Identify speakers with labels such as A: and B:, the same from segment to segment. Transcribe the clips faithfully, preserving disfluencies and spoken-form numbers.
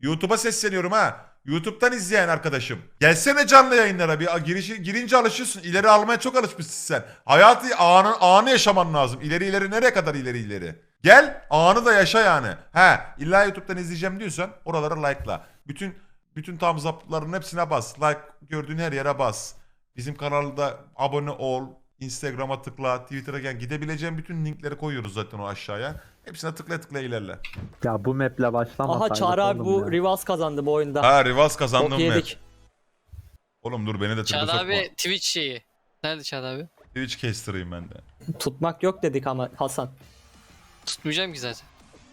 A: YouTube'a sesleniyorum ha. YouTube'dan izleyen arkadaşım. Gelsene canlı yayınlara. Bir girişi, girince alışıyorsun. İleri almaya çok alışmışsın sen. Hayatı anı, anı yaşaman lazım. İleri ileri nereye kadar ileri ileri. Gel anı da yaşa yani. He illa YouTube'dan izleyeceğim diyorsan oraları like'la. Bütün bütün thumbs up'ların hepsine bas. Like gördüğün her yere bas. Bizim kanalda abone ol. Instagram'a tıkla. Twitter'a gel. Gidebileceğin bütün linkleri koyuyoruz zaten o aşağıya. Hepsine tıkla tıkla ilerle.
B: Ya bu maple başlamasaydık
C: Aha Çağrı abi
B: oğlum
C: bu
B: ya.
C: Rivals kazandı bu oyunda.
A: Ha Rivas
C: Bok
A: kazandım mı?
C: yedik.
A: Oğlum dur beni de tribe
D: Çağrı
A: sokma.
D: abi Twitch şeyi. Nerede Çağrı abi?
A: Twitch caster'ıyım ben de.
C: Tutmak yok dedik ama Hasan.
D: Tutmayacağım ki zaten.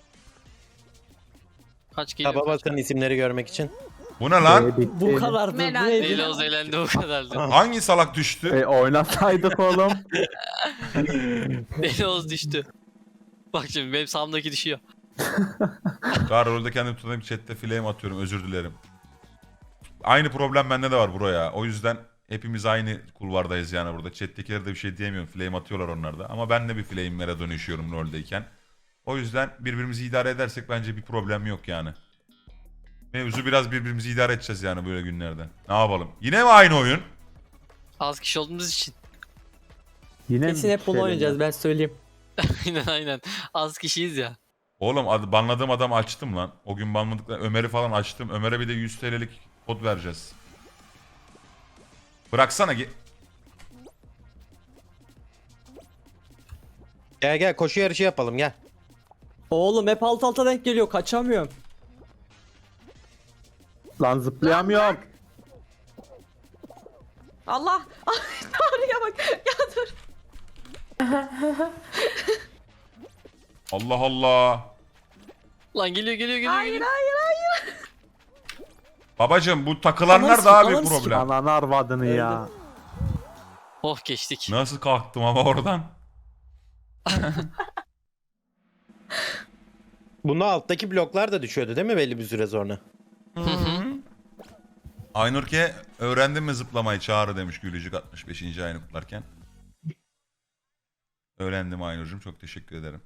D: Kaç
E: Taba
D: geliyor kaç?
E: basın isimleri görmek için.
A: Bu ne lan?
B: E, bitti.
C: Bu kadardı. Bu
F: Meral.
C: neydi?
D: Deli Oğuz eğlendi o kadardı.
A: Hangi salak düştü?
B: E, oynasaydık oğlum.
D: Deli Oğuz düştü. Bak şimdi benim sağımdaki düşüyor.
A: Daha rolde kendim tutanayım chatte flame atıyorum özür dilerim. Aynı problem bende de var buraya. O yüzden hepimiz aynı kulvardayız yani burada. Chat'tekilere de bir şey diyemiyorum. Flame atıyorlar onlar da. Ama ben de bir flame'lere dönüşüyorum roldeyken. O yüzden birbirimizi idare edersek bence bir problem yok yani. Mevzu biraz birbirimizi idare edeceğiz yani böyle günlerde. Ne yapalım? Yine mi aynı oyun?
D: Az kişi olduğumuz için.
B: Yine mi
C: Kesin hep bunu
B: şey
C: oynayacağız ben söyleyeyim.
D: Aynen aynen. Az kişiyiz ya.
A: Oğlum ad- banladığım adamı açtım lan. O gün banladıkları Ömer'i falan açtım. Ömer'e bir de yüz T L'lik kod vereceğiz. Bıraksana ge-
E: Gel gel koşu yarışı yapalım gel.
C: Oğlum hep alt alta denk geliyor kaçamıyorum.
B: Lan zıplayamıyorum.
F: Allah. Ay Tanrı'ya bak. Ya dur.
A: Allah Allah.
D: Lan geliyor geliyor geliyor.
F: Hayır
D: geliyor.
F: hayır hayır.
A: Babacım bu takılanlar
C: Ananı
A: daha
C: sik-
A: büyük
C: ananı sik-
A: problem.
B: Ananı arvadını ya.
D: Oh geçtik.
A: Nasıl kalktım ama oradan?
E: Bunda alttaki bloklar da düşüyordu değil mi belli bir süre sonra?
A: Aynurke öğrendin mi zıplamayı Çağrı demiş Gülücük altmış beşinci ayını kutlarken. Öğrendim Aynur'cum çok teşekkür ederim.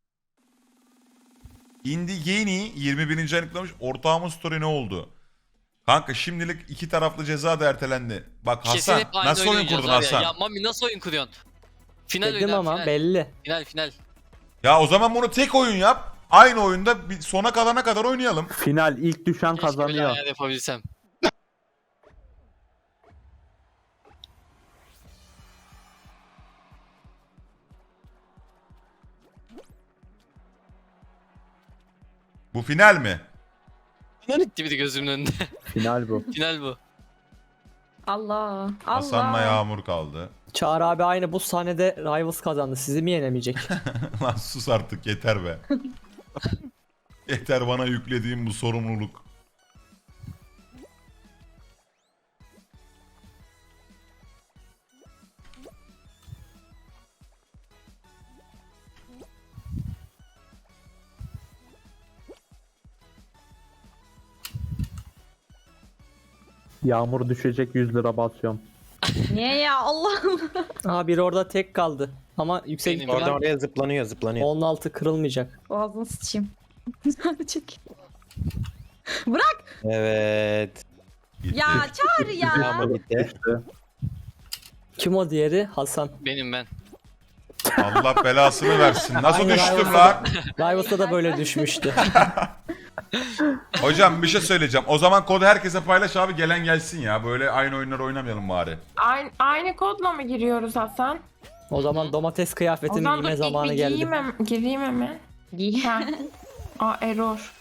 A: Indigeni yirmi birinci ayını kutlamış. Ortağımın story ne oldu? Kanka şimdilik iki taraflı ceza da ertelendi. Bak
D: Kesin
A: Hasan
D: hep aynı
A: nasıl oyun
D: oynayacağız
A: kurdun
D: var ya.
A: Hasan?
D: Ya Mami nasıl oyun kuruyorsun? Final
C: Dedim
D: oynar,
C: ama
D: final.
C: belli.
D: Final final.
A: Ya o zaman bunu tek oyun yap. Aynı oyunda bir sona kalana kadar oynayalım.
B: Final ilk düşen
D: Keşke böyle
B: kazanıyor.
D: ayar yapabilsem.
A: Bu final mi?
D: Gitti bir de gözümün önünde.
B: Final bu.
D: Final bu.
F: Allah. Allah.
A: Hasan'la Yağmur kaldı.
C: Çağrı abi aynı bu sahnede Rivals kazandı. Sizi mi yenemeyecek?
A: Lan sus artık yeter be. Yeter bana yüklediğim bu sorumluluk.
B: Yağmur düşecek yüz lira basıyorum.
F: Niye ya Allah Allah.
C: Aha biri orada tek kaldı. Ama yüksek
D: Benim
E: Oradan
C: ihtimal
E: oraya zıplanıyor zıplanıyor.
C: onun altı kırılmayacak.
F: Boğazını sıçayım. Hadi çek. Bırak.
E: Evet.
A: Gitti.
F: Ya Çağrı ya.
E: Yağmur bitti.
B: İşte.
C: Kim o diğeri? Hasan.
D: Benim ben.
A: Allah belasını versin. Nasıl
C: Aynen,
A: düştüm
C: aynen.
A: lan?
C: Rivals'ta da böyle düşmüştü.
A: Hocam bir şey söyleyeceğim. O zaman kodu herkese paylaş abi gelen gelsin ya. Böyle aynı oyunları oynamayalım bari.
G: Aynı, aynı kodla mı giriyoruz Hasan?
C: O zaman domates
G: O
C: kıyafetini
G: zaman dur
C: giyme
G: ilk
C: zamanı
G: bir
C: geldi.
G: giyeyim, hem- gireyim hemen.
F: Giy.
G: Ha. Aa error.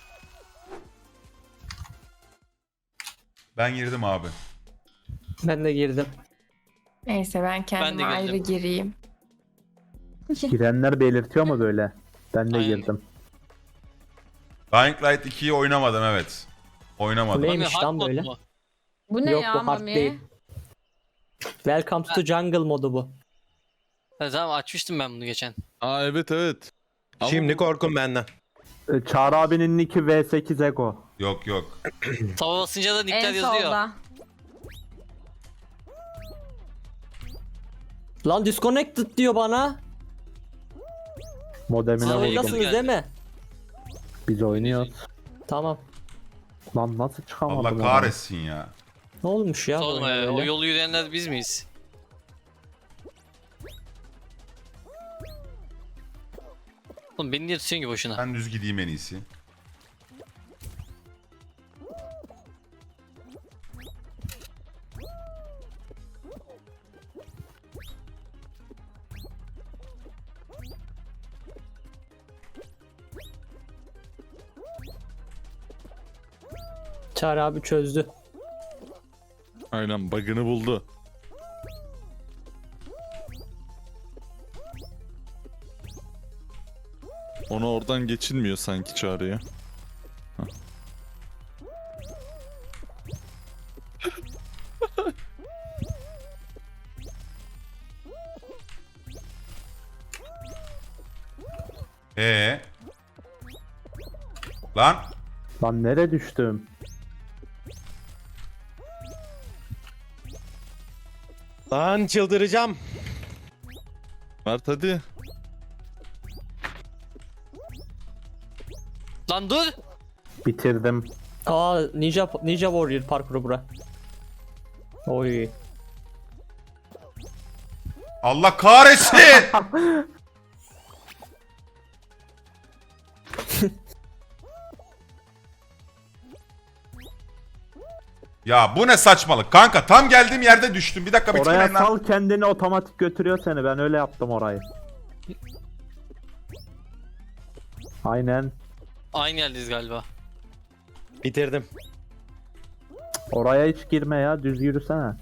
A: Ben girdim abi.
C: Ben de girdim.
G: Neyse ben kendime
D: girdim.
G: ayrı gireyim.
B: Girenler belirtiyor mu böyle? Ben de
D: Aynen.
B: girdim.
A: Dying Light ikiyi oynamadım evet. Oynamadım.
C: Neymiş
D: Mami, hard
C: lan
D: mode
C: böyle?
D: mu?
F: Bu ne
C: Yok,
F: ya
C: bu hard
F: Mami?
C: değil. Welcome to the Jungle modu bu.
D: Ha, tamam açmıştım ben bunu geçen.
H: Aa evet evet. Ama
E: Şimdi
H: bu-
E: korkun benden.
B: E, Çağrı abinin nicki V sekiz Ego.
A: Yok yok.
D: Tava basınca da nickler
F: En
D: yazıyor.
F: solda.
C: Lan disconnected diyor bana.
B: Modemine
D: Aa,
B: vurdum.
D: nasıl?
C: Oradasınız değil mi?
B: Biz oynuyoruz.
C: Tamam.
B: Lan nasıl çıkamadım?
A: Allah
B: oradan?
A: kahretsin ya.
C: Ne olmuş ya? bu
D: Sorma
C: oyuna
D: ya. O
C: böyle?
D: yolu yürüyenler biz miyiz? Oğlum beni niye tutuyorsun ki boşuna?
A: Ben düz gideyim en iyisi.
C: Çağrı abi çözdü.
H: Aynen bug'ını buldu. Ona oradan geçilmiyor sanki Çağrı'ya.
A: Ee. Lan.
B: Lan nereye düştüm?
E: Lan çıldıracağım.
H: Mert hadi.
D: Lan dur!
B: Bitirdim.
C: Aa Ninja Ninja Warrior parkuru bura. Oy.
A: Allah kahretsin. Ya bu ne saçmalık kanka, tam geldiğim yerde düştüm. Bir dakika
B: Oraya
A: bitirmeyin lan.
B: sal kendini, otomatik götürüyor seni. Ben öyle yaptım orayı. Aynen.
D: Aynı yerdeyiz galiba.
E: Bitirdim.
B: Oraya hiç girme ya. Düz yürüsene.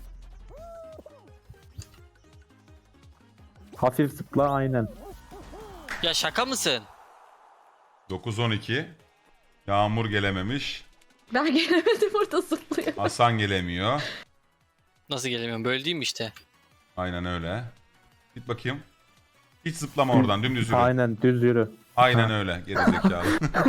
B: Hafif zıpla aynen.
D: Ya şaka mısın?
A: dokuz on iki. Yağmur gelememiş.
F: Ben gelemedim, burada zıplıyor.
A: Hasan gelemiyor.
D: Nasıl gelemiyorum? Böyle değil mi işte?
A: Aynen öyle. Git bakayım. Hiç zıplama oradan, dümdüz yürü. Aynen,
B: Aynen düz yürü.
A: öyle gerizekalı.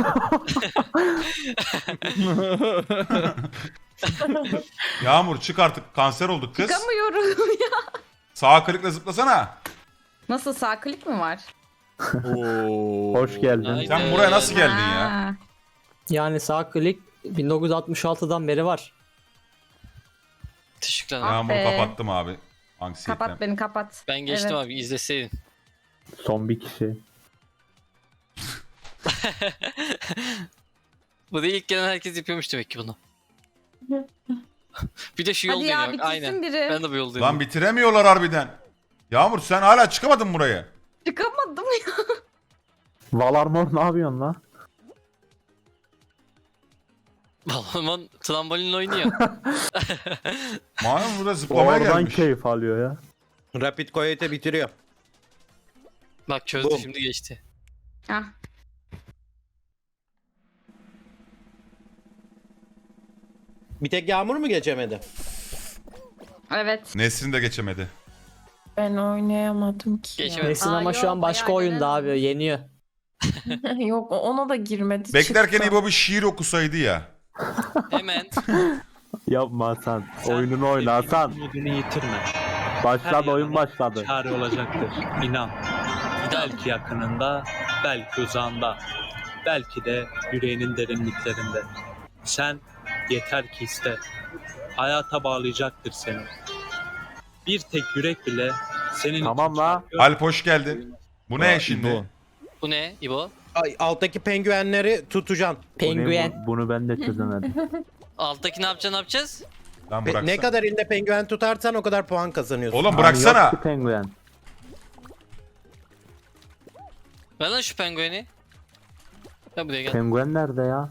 A: Yağmur çık artık, kanser olduk kız.
F: Çıkamıyorum ya.
A: Sağ klikle zıplasana.
F: Nasıl, sağ klik mi var?
H: Oo.
B: Hoş geldin.
D: Aynen.
A: Sen buraya nasıl geldin ya?
F: Ha.
C: Yani sağ klik bin dokuz yüz altmış altıdan beri var.
D: Teşekkürler.
F: Ah
A: Yağmuru
F: be.
A: kapattım abi. Anksiyetten.
F: Kapat beni, kapat.
D: Ben geçtim
F: Evet.
D: abi, izleseydin.
B: Son bir kişi.
D: Bu da ilk gelen herkes yapıyormuş demek ki bunu. Bir de şu yol
F: Hadi ya,
D: deniyor.
F: bitirsin
D: Aynen.
F: biri.
D: Ben de bu yol
A: Lan
D: deniyorum.
A: bitiremiyorlar harbiden. Yağmur sen hala çıkamadın buraya.
F: Çıkamadım ya.
B: Valarmor ne yapıyorsun la?
D: Balon trambolin oynuyor.
A: Malum burada zıplamaya
B: Oradan
A: gelmiş.
B: keyif alıyor ya.
E: Rapid Coyote bitiriyor.
D: Bak çözdü,
E: Bum.
D: şimdi geçti.
F: Hah.
E: Bir tek Yağmur mu geçemedi?
F: Evet.
A: Nesrin de geçemedi.
G: Ben oynayamadım ki. ya.
D: Geçemedim.
C: Nesin
F: Aa,
C: ama şu
F: yok,
C: an başka
F: bayağı
C: oyunda
F: gelen
C: abi, yeniyor.
G: Yok, ona da girmedi.
A: Beklerken
G: çıktı.
A: İbo bir şiir okusaydı ya.
D: Hemen.
B: Yapma Hasan. Oyununu oyna Hasan.
I: Modunu yitirme.
B: Başladı,
I: Her
B: oyun
I: yana
B: başladı.
I: Çare olacaktır. İnan. Belki yakınında, belki uzağında. Belki de yüreğinin derinliklerinde. Sen yeter ki iste. Hayata bağlayacaktır seni. Bir tek yürek bile senin
B: Tamam
I: için
B: la.
I: çarpıyor.
A: Alp hoş geldin. Bu ne
H: Aa,
A: şimdi?
H: İbo.
D: Bu ne İbo?
E: Ay, alttaki penguenleri tutacaksın.
C: Penguen.
B: Bunu, bunu ben de çözemedim.
D: Alttaki ne yapacağız, ne yapacağız?
A: Lan
E: Pe-
A: bıraksana.
E: ne kadar elinde penguen tutarsan o kadar puan kazanıyorsun.
A: Oğlum
B: Abi yok
A: bıraksana.
B: ki penguen.
D: Ver lan şu pengueni. Ya buraya gel.
B: Penguen nerede ya?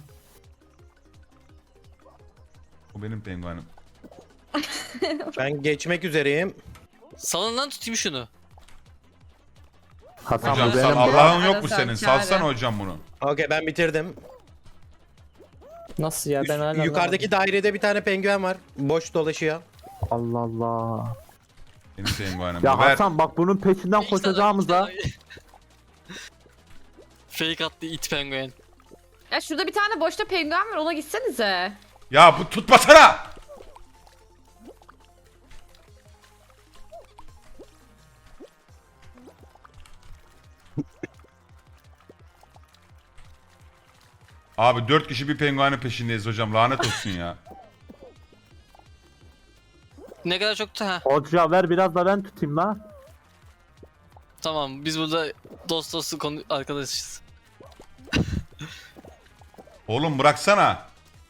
A: O benim penguenim.
E: Ben geçmek üzereyim.
D: Salın lan, tutayım şunu.
B: Hasan
A: Hocam
B: bu
A: sal,
B: benim.
A: Allah'ın yok mu
F: Arasal
A: senin?
F: çare.
A: Salsana hocam bunu.
E: Okey, ben bitirdim.
C: Nasıl ya, ben
E: Üst-
C: hala
E: yukarıdaki dairede bir tane penguen var. Boş dolaşıyor.
B: Allah Allah.
A: Benim penguenim.
B: Ya
A: Ver.
B: Hasan bak bunun peşinden koşacağımıza.
D: Fake attı it penguen.
F: Ya şurada bir tane boşta penguen var, ona gitsenize.
A: Ya bu tutmasana. Abi dört kişi bir penguenin peşindeyiz hocam. Lanet olsun ya.
D: Ne kadar çok da ha.
B: Hoca ver biraz da ben tutayım la.
D: Tamam biz burada dost dostu konu arkadaşız.
A: Oğlum bıraksana.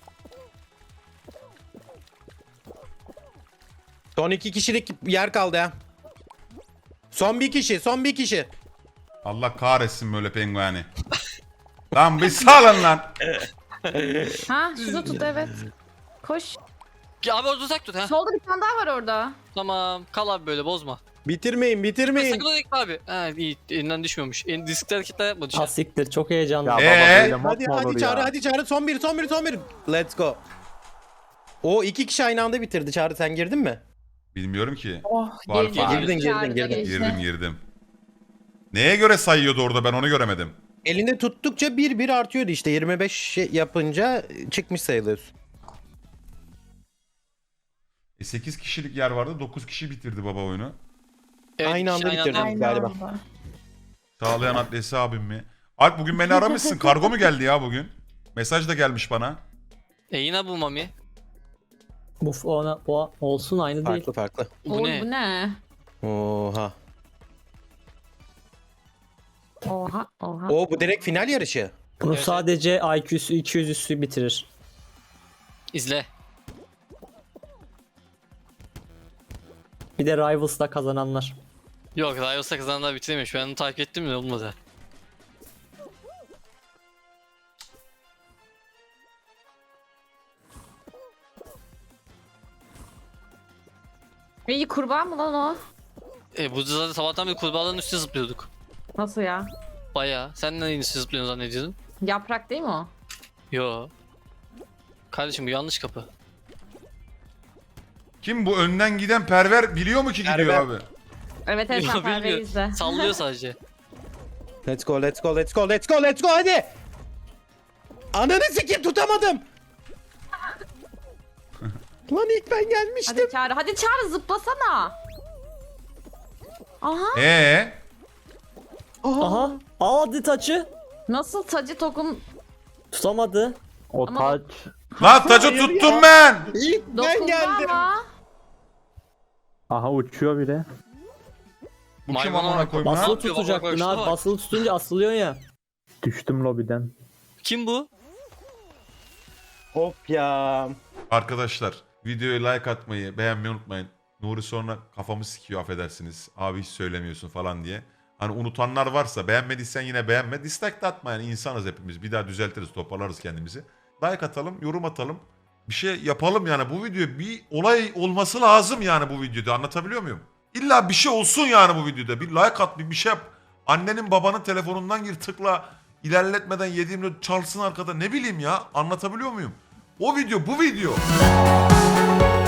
E: Son iki kişilik yer kaldı ya. Son bir kişi, son bir kişi.
A: Allah kahretsin böyle pengueni. Lan bir salın lan.
F: Ha şunu tut evet. Koş.
D: Ya abi orada uzak tut ha.
F: Solda bir tane daha var orada.
D: Tamam kal abi böyle bozma.
E: Bitirmeyin, bitirmeyin.
D: Sakın oraya gitme abi. Ha iyi elinden düşmüyormuş. En diskte hareketler yapma düşer.
C: Asiktir çok heyecanlı.
B: Ya
A: Ee?
B: baba böyle mod
E: Hadi
B: mu olur
E: hadi Çağrı,
B: ya?
E: hadi Çağrı. Son bir, son bir, son bir. Let's go. O iki kişi aynı anda bitirdi. Çağrı sen girdin mi?
A: Bilmiyorum ki.
G: Oh
A: Var,
G: girdi.
A: var.
E: Girdin, girdin,
F: Çağrı'da
E: girdin.
F: geçti.
A: Girdim girdim. Neye göre sayıyordu orada ben onu göremedim.
E: Elinde tuttukça bir bir artıyordu işte. yirmi beş şey yapınca çıkmış sayılıyorsun.
A: E sekiz kişilik yer vardı. dokuz kişi bitirdi baba oyunu.
D: Evet,
E: Aynı anda
D: kişi
E: bitirdi.
G: Aynı
E: Galiba.
G: anda.
A: Sağlayan adresi abim mi? Alp bugün beni aramışsın. Kargo mu geldi ya bugün? Mesaj da gelmiş bana.
D: E yine bu Mami.
C: Bu ona bu olsun aynı değil.
E: Farklı farklı.
D: Bu
F: Oğlum
D: ne?
F: bu ne?
E: Oha.
F: Oha oha.
E: O bu direkt final yarışı.
C: Bunu
D: Evet,
C: sadece I Q'su iki yüz üstü bitirir.
D: İzle.
C: Bir de Rivals'da kazananlar.
D: Yok Rivals'a kazananlar bitiremiyor. Ben onu takip ettim de olmadı.
F: İyi kurbağa mı lan o?
D: E bu zaten sabahtan beri kurbağaların üstüne zıplıyorduk.
F: Nasıl ya?
D: Baya. Sen neyin üstüne zıplıyorsun zannediyordun?
F: Yaprak değil mi o?
D: Yo. Kardeşim bu yanlış kapı.
A: Kim bu önden giden perver biliyor mu ki gidiyor
E: Perver.
A: abi?
F: Evet evet
D: Yo,
F: sen
D: bilmiyor.
F: Perver'i izle.
D: Sallıyor sadece.
E: Let's go, let's go, let's go, let's go, let's go hadi. Ananı sikeyim tutamadım. Lan ilk ben gelmiştim.
F: Hadi Çağrı, hadi Çağrı zıplasana. Aha.
A: Ee,
C: Aha. Aa hadi taçı.
F: Nasıl tacı tokun
C: Tutamadı.
B: O
F: Ama-
B: taç.
A: lan tacı
E: Hayır
A: tuttum
E: ya.
A: ben.
E: İlk ben
F: dokundu
E: geldim.
F: ama.
B: Aha uçuyor bile.
A: Bu kim
D: Maymuna
A: amına
D: bak.
A: koyayım
C: Basılı
A: lan?
D: yapıyor? Bak,
C: tutacaktın
D: bak, şuna
C: abi.
D: bak.
C: Basılı tutunca asılıyorsun ya.
B: Düştüm lobiden.
D: Kim bu?
E: Hop ya.
A: Arkadaşlar videoya like atmayı, beğenmeyi unutmayın. Nuri sonra kafamı sikiyor affedersiniz. Abi hiç söylemiyorsun falan diye. Hani unutanlar varsa beğenmediysen yine beğenme. Dislike de atma yani insanız hepimiz. Bir daha düzeltiriz, toparlarız kendimizi. Like atalım, yorum atalım. Bir şey yapalım yani bu video bir olay olması lazım yani bu videoda anlatabiliyor muyum? İlla bir şey olsun yani bu videoda. Bir like at, bir bir şey yap. Annenin babanın telefonundan gir tıkla. İlerletmeden yediğimde çalsın arkada ne bileyim ya anlatabiliyor muyum? O video bu video.